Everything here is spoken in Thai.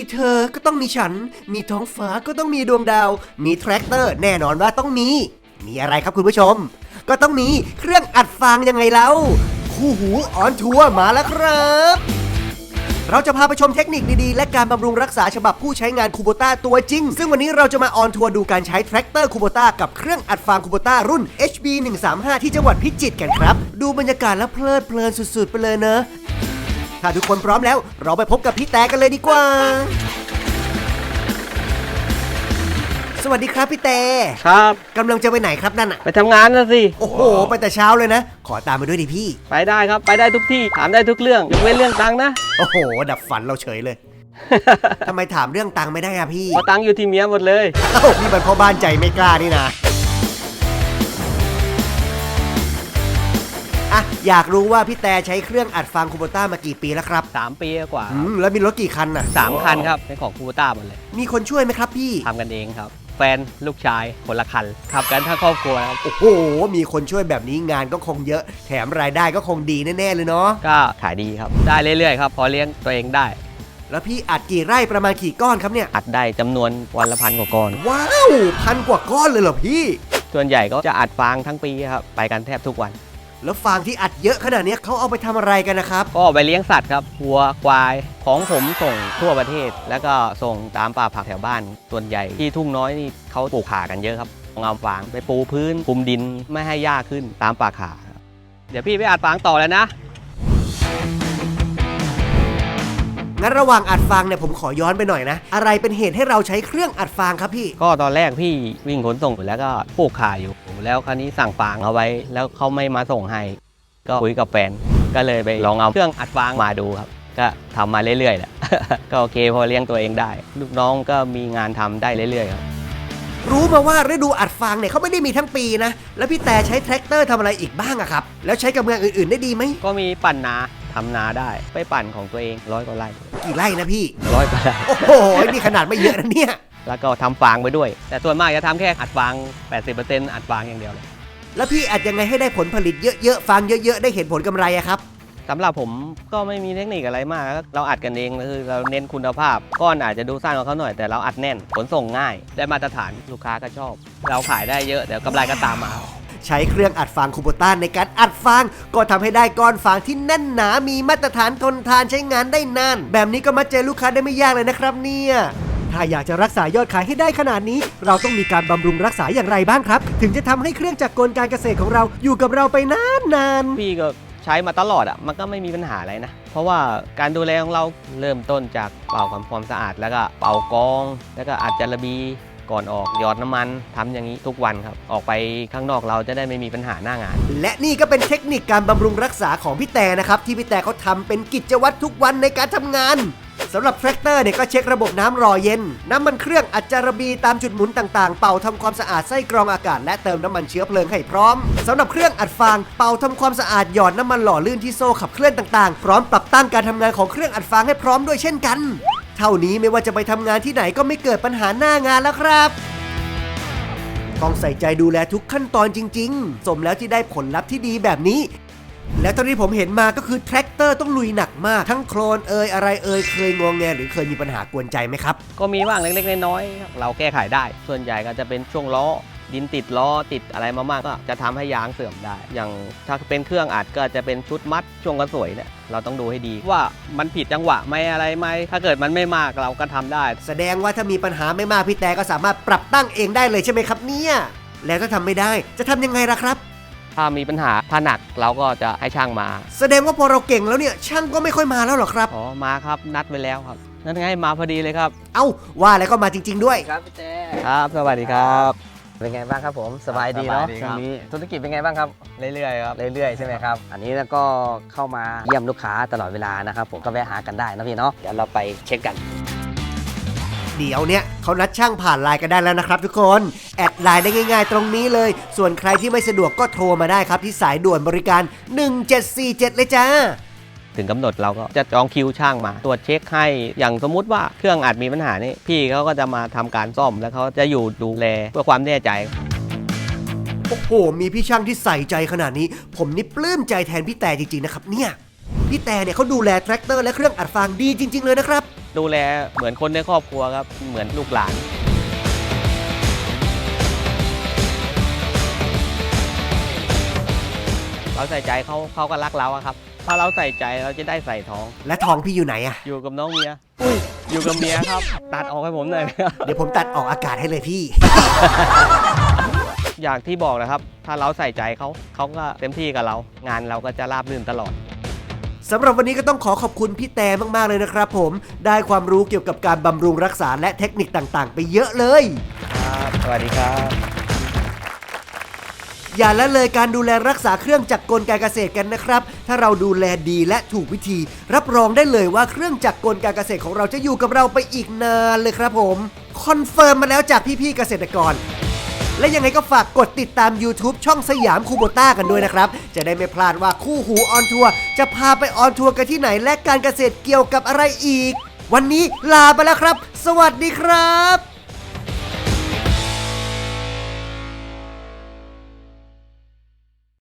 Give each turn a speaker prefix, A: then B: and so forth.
A: เธอก็ต้องมีฉันมีท้องฟ้าก็ต้องมีดวงดาวมีแทรกเตอร์แน่นอนว่าต้องมีอะไรครับคุณผู้ชมก็ต้องมีเครื่องอัดฟางยังไงเล่าคู่หูออนทัวร์มาแล้วครับเราจะพาไปชมเทคนิคดีๆและการบำรุงรักษาฉบับผู้ใช้งานคูโบต้าตัวจริงซึ่งวันนี้เราจะมาออนทัวร์ดูการใช้แทรกเตอร์คูโบต้ากับเครื่องอัดฟางคูโบต้ารุ่น HB 135ที่จังหวัดพิจิตรกันครับดูบรรยากาศแล้วเพลิดเพลินสุดๆไปเลยเนอะถ้าทุกคนพร้อมแล้วเราไปพบกับพี่แต่กันเลยดีกว่าสวัสดีครับพี่แต่
B: ครับ
A: กำลังจะไปไหนครับนั่นอะ
B: ไปทำงานนะสิ
A: โอ้โหไปแต่เช้าเลยนะขอตามไปด้วยดิพี่
B: ไปได้ครับไปได้ทุกที่ถามได้ทุกเรื่องยกเว้นเรื่องตังค์นะ
A: โอ้โหดับฝันเราเฉยเลย ทำไมถามเรื่องตังค์ไม่ได้อะพี่
B: เพราะตังค์อยู่ที่เมียหมดเลย
A: เอ้านี่มันพ่อบ้านใจไม่กล้านี่นะอะอยากรู้ว่าพี่แต่ใช้เครื่องอัดฟางคูโบต้ามากี่ปีแล้วครับ
B: 3 ปีกว่า
A: แล้วมีรถกี่คันน่ะ
B: 3 คันครับเป็นของคูโบต้าหมดเลย
A: มีคนช่วยไหมครับพี่
B: ทำกันเองครับแฟนลูกชายคนละคันขับกันทั้งครอบครัวครับ
A: โอ้โหมีคนช่วยแบบนี้งานก็คงเยอะแถมรายได้ก็คงดีแน่ๆเลยเนาะ
B: ก็ขายดีครับได้เรื่อยๆครับพอเลี้ยงตัวเองได้
A: แล้วพี่อัดกี่ไร่ประมาณกี่ก้อนครับเนี่ย
B: อัดได้จำนวนวันละ1,000 กว่าก้อน
A: ว้าว1,000 กว่าก้อนเลยเหรอพี่
B: ส่วนใหญ่ก็จะอัดฟางทั้งปีครับไปกันแทบทุกวัน
A: แล้วฟางที่อัดเยอะขนาดนี้เขาเอาไปทำอะไรกันนะครับ
B: ก็ไปเลี้ยงสัตว์ครับวัวควายของผมส่งทั่วประเทศแล้วก็ส่งตามป่าผักแถวบ้านส่วนใหญ่ที่ทุ่งน้อยนี่เขาปลูกข่ากันเยอะครับเอาฟางไปปูพื้นคลุมดินไม่ให้หญ้าขึ้นตามป่าข่าเดี๋ยวพี่ไปอัดฟางต่อแล้วนะ
A: งั้นระหว่างอัดฟางเนี่ยผมขอย้อนไปหน่อยนะอะไรเป็นเหตุให้เราใช้เครื่องอัดฟางครับพี่
B: ก็ตอนแรกพี่วิ่งขนส่งแล้วก็ปลูกข่าอยู่แล้วคราวนี้สั่งฟางเอาไว้แล้วเขาไม่มาส่งให้ก็คุยกับแฟนก็เลยไปลองเอาเครื่องอัดฟางมาดูครับก็ทำมาเรื่อยๆแหละ ก็โอเคพอเลี้ยงตัวเองได้ลูกน้องก็มีงานทำได้เรื่อยๆครับ
A: รู้มาว่าฤดูอัดฟางเนี่ยเขาไม่ได้มีทั้งปีนะแล้วพี่แต่ใช้แทรกเตอร์ทำอะไรอีกบ้างอะครับแล้วใช้กับเมืองอื่นๆได้ดีไหม
B: ก็มีปั่นนาทำนาได้ไปปั่นของตัวเอง100 กว่าไร่
A: กี่ไร่นะพี่
B: 100 กว่าไร่
A: โอ้โหนี่ขนาดไม่เยอะนะเนี่ย
B: แล้วก็ทำฟางไปด้วยแต่ส่วนมากจะทำแค่อัดฟาง 80% อัดฟางอย่างเดียวเลย
A: แล้วพี่อัดยังไงให้ได้ผลผลิตเยอะๆฟางเยอะๆได้เห็นผลกำไรอะครับ
B: สำหรับผมก็ไม่มีเทคนิคอะไรมากเราอัดกันเองคือเราเน้นคุณภาพก้อนอาจจะดูสั้นกว่าเขาหน่อยแต่เราอัดแน่นขนส่งง่ายได้มาตรฐานลูกค้าก็ชอบเราขายได้เยอะเดี๋ยวกำไรก็ตามมา
A: ใช้เครื่องอัดฟางคูโบต้าในการอัดฟางก็ทำให้ได้ก้อนฟางที่แน่นหนามีมาตรฐานทนทานใช้งานได้นานแบบนี้ก็มัดใจลูกค้าได้ไม่ยากเลยนะครับเนี่ยถ้าอยากจะรักษายอดขายให้ได้ขนาดนี้เราต้องมีการบำรุงรักษาอย่างไรบ้างครับถึงจะทำให้เครื่องจักรกลการเกษตรของเราอยู่กับเราไปนาน
B: ๆพี่ก็ใช้มาตลอดอ่ะมันก็ไม่มีปัญหาอะไรนะเพราะว่าการดูแลของเราเริ่มต้นจากเป่าความสะอาดแล้วก็เป่ากองแล้วก็อัดจาระบีก่อนออกหยอดน้ำมันทำอย่างนี้ทุกวันครับออกไปข้างนอกเราจะได้ไม่มีปัญหาหน้างาน
A: และนี่ก็เป็นเทคนิคการบำรุงรักษาของพี่แต่นะครับที่พี่แต่เขาทำเป็นกิจวัตรทุกวันในการทำงานสำหรับแทรกเตอร์เนี่ยก็เช็คระบบน้ำรอเย็นน้ำมันเครื่องอัดจาระบีตามจุดหมุนต่างๆเป่าทำความสะอาดไส้กรองอากาศและเติมน้ำมันเชื้อเพลิงให้พร้อมสำหรับเครื่องอัดฟางเป่าทำความสะอาดหยอดน้ำมันหล่อลื่นที่โซ่ขับเคลื่อนต่างๆพร้อมปรับตั้งการทำงานของเครื่องอัดฟางให้พร้อมด้วยเช่นกันเท่านี้ไม่ว่าจะไปทำงานที่ไหนก็ไม่เกิดปัญหาหน้างานแล้วครับต้องใส่ใจดูแลทุกขั้นตอนจริงๆสมแล้วที่ได้ผลลัพธ์ที่ดีแบบนี้และตอนนี้ผมเห็นมาก็คือแทรกเตอร์ต้องลุยหนักมากทั้งโคลนอะไรเคยงงแงหรือเคยมีปัญหากวนใจไหมครับ
B: ก็มีบ้างเล็กๆน้อยๆเราแก้ไขได้ส่วนใหญ่ก็จะเป็นช่วงล้อดินติดล้อติดอะไรมากๆก็จะทำให้ยางเสื่อมได้อย่างถ้าเป็นเครื่องอัดก็จะเป็นชุดมัดช่วงกระสวยเนี่ยเราต้องดูให้ดีว่ามันผิดจังหวะไหมอะไรไหมถ้าเกิดมันไม่มากเราก็ทำได้
A: แสดงว่าถ้ามีปัญหาไม่มากพี่แต่ก็สามารถปรับตั้งเองได้เลยใช่ไหมครับเนี่ยแล้วถ้าทำไม่ได้จะทำยังไงล่ะครับ
B: ถ้ามีปัญหาถ้าหนักเราก็จะให้ช่างมา
A: แสดงว่าพอเราเก่งแล้วเนี่ยช่างก็ไม่ค่อยมาแล้วหรอครับ
B: อ๋อมาครับนัดไว้แล้วครับนั่นไงมาพอดีเลยครับ
A: เอ้าว่าแล้วก็มาจริงๆด้วย
B: ครับพี่เต้ครับสวัสดีครับ
C: เป็นไงบ้างครับผมสบายดีเนาะช่วงนี้ธุรกิจเป็นไงบ้างครับ
B: เรื่อยๆครับ
C: เรื่อยๆใช่ไหมครับอันนี้แล้วก็เข้ามาเยี่ยมลูกค้าตลอดเวลานะครับผมก็แวะหากันได้นะพี่เนาะเดี๋ยวเราไปเช็คกัน
A: เดี๋ยวเนี่ยเขานัดช่างผ่านไลน์กันได้แล้วนะครับทุกคนแอดไลน์ได้ง่ายๆตรงนี้เลยส่วนใครที่ไม่สะดวกก็โทรมาได้ครับที่สายด่วนบริการ1747เลยจ้า
B: ถึงกำหนดเราก็จะจองคิวช่างมาตรวจเช็คให้อย่างสมมุติว่าเครื่องอัดมีปัญหานี่พี่เขาก็จะมาทำการซ่อมแล้วเขาจะอยู่ดูแลเพื่อความแน่ใจ
A: โอ้โหมีพี่ช่างที่ใส่ใจขนาดนี้ผมนี่ปลื้มใจแทนพี่แต่จริงๆนะครับเนี่ยพี่แต่เนี่ยเขาดูแลแทรกเตอร์และเครื่องอัดฟางดีจริงๆเลยนะครับ
B: ดูแลเหมือนคนในครอบครัวครับเหมือนลูกหลานเราใส่ใจเขาก็รักเราอะครับถ้าเราใส่ใจเราจะได้ใส่ท้อง
A: และทองพี่อยู่ไหนอะ
B: อยู่กับน้องเมียอุ้ยอยู่กับเมียครับ ตัดออกให้ผมหน่อย
A: เดี๋ยวผมตัดออกอากาศให้เลยพี่
B: อย่างที่บอกนะครับ ถ้าเราใส่ใจเขาก็เต็มที่กับเรา งานเราก็จะราบรื่นตลอด
A: สำหรับวันนี้ก็ต้องขอขอบคุณพี่แต่มากๆเลยนะครับผมได้ความรู้เกี่ยวกับการบำรุงรักษาและเทคนิคต่างๆ ไปเยอะเลย
B: ครับสวัสดีครับ
A: อย่าละเลยการดูแลรักษาเครื่องจักรกลการเกษตรกันนะครับ ถ้าเราดูแลดีและถูกวิธี รับรองได้เลยว่าเครื่องจักรกลการเกษตรของเราจะอยู่กับเราไปอีกนานเลยครับผมคอนเฟิร์มมาแล้วจากพี่ๆเกษตรกร และยังไงก็ฝากกดติดตาม YouTube ช่องสยามคูโบต้ากันด้วยนะครับจะได้ไม่พลาดว่าคู่หูออนทัวร์จะพาไปออนทัวร์กันที่ไหนและการเกษตรเกี่ยวกับอะไรอีก วันนี้ลาไปแล้วครับ สวัสดีครับ